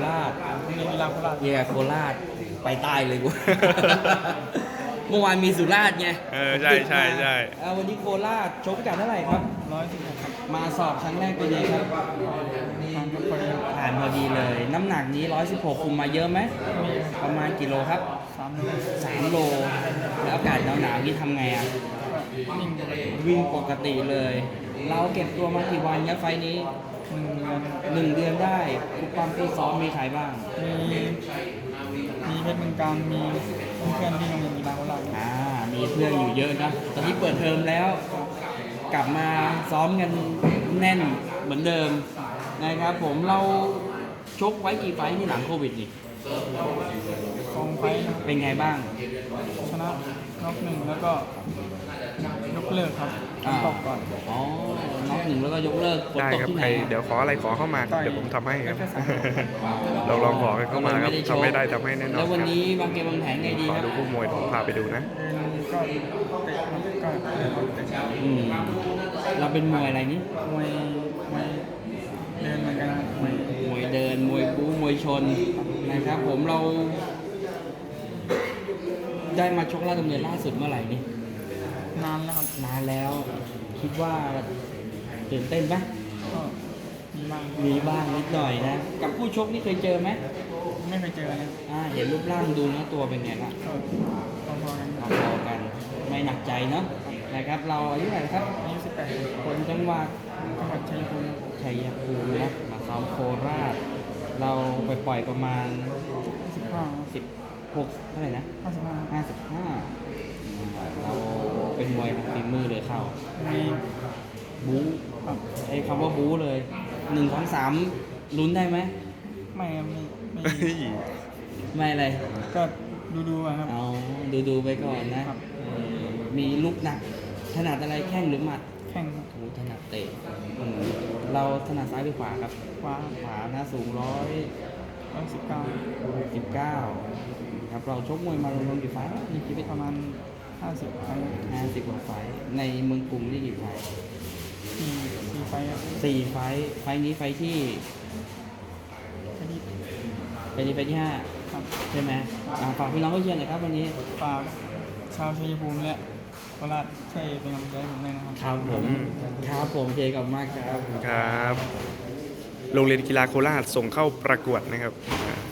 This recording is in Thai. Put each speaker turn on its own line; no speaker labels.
ราช
โรงเรียนกีฬาโคราช
เย่โคราชไปใต้เลยกู เมื่อวานมีสุราษฎร์ไง
ใช่ใช่ใช่
วันนี้โคราชชกพิกัดเท่าไหร่ครับ
116ครับ
มาสอบครั้งแรกเป็นไงครับ
ทางพอดี
ผ่านพอดีเลย น้ำหนักนี้ 116 คุมมาเยอะไหม
มี
ประมาณกี่โลครับ
3 โล
3 โล แล้วอากาศหนาวๆนี่ทำไงอ่ะ
ก็วิ่งปกติ
วิ่งปกติเลย เราเก็บตัวมากี่วันครับไฟล์นี้
1 เดือน
1 เดือนได้ทุกความที่ซ้อมมีใครบ้าง
มีเพชรเมืองการมีเพื่อนที่โรงเรียนกีฬาโคราช
มีเพื่อนอยู่เยอะนะ ตอนนี้เปิดเทอมแล้ว กลับมาซ้อมกันแน่นเหมือนเดิมนะครับผมเราชกไว้กี่ไฟท์ที่หลังโควิดนี่
2 ไฟล์นะครับ
เป็นไงบ้าง
ชนะน็อก1แล้วก็ยกเลิกครับตกก่อน
อ๋อน็อก1แล้วก็ยกเลิกฝน
ได้
ตก
ครับ
ที่
ใค
ไห
ร
น
เดี๋ยวขออะไรขอเข้ามาครับเดี๋ยวผมทำให้ครับ
ไม่ใช่
เราลองขอกันเข้ามาครับทำไม่ได้ทำให้แน่นอน
แล้ววัน
ครับ
นี้วางเกมวางแผนไงดี
ขอ
ครับ
ดูคู่มวยผมพาไปดูนะ
เดินก็เตะครับก็เดินเตะ
เราเป็นมวยอะไรนี่
มวยเดินเหมือนกันนะครับมวย
มวยเดิน มวยบู๊มวยชนนะครับผมเรา ได้มาชกราชดำเนินล่าสุดเมื่อไหร่นี่
นานแล้วครับ
นานแล้ว คิดว่าตื่นเต้นไหม
ก็มีบ้าง
มีบ้างนิดหน่อยนะ กับผู้ชกนี่เคยเจอไหม
ไม่เคยเจอเลย
เห็นรูปร่างดูเนื้อตัวเป็นไงบ้าง
ก็พอๆกันครับ
พอๆกัน ไม่หนักใจเนาะนะครับ เราอายุเท่าไหร่ครับ
อายุ18
คนจังหวัด
จังหวัดชัยภูมิ
ชัยภูมินะมาซ้อมโคราช เราไปปล่อยประมาณ
15
16เท่าไหร่นะ
55
55เราเป็นมวยฝีมือเลยเข้า
มี
บู๊
ครับ
ไอ้คำว่าบู๊เลย1 2 3ลุ้นได้ไหม
ไม่
ไม่อะไร
ก็ดูๆอะครับ
เอาดูไปก่อนนะครับ มีลูกหนัก ถนัดอะไรแข้งหรือหมัด
แข่ง
โอ้ถนัดเตะเราถนัดซ้ายหรือขวาครับ
คว้า
ขวานะสูง
119
19ครับเราชกมวยมารวมๆกี่ไฟล์ในชีวิต
ประมาณ 50 ครั้ง
50 กว่าไฟล์ในเมืองกรุงนี่กี่ไฟล์
4 ไฟล์ครับ
4 ไฟล์ไฟล์นี้ไฟล์ที่
แค่นี้
ไฟล์นี้ไฟล์ที่
ครับ
5 ใช่ไหมฝากพี่น้องเขาเชียร์หน่อยครับวันนี้
ฝากชาวชัยภูมิและโคราชช่วยเป็นกำลังใจให้ผมด้วยนะครับ
ครับผมครับผมเจกับมากครับ
ครับ โรงเรียนกีฬาโคราชส่งเข้าประกวดนะครับ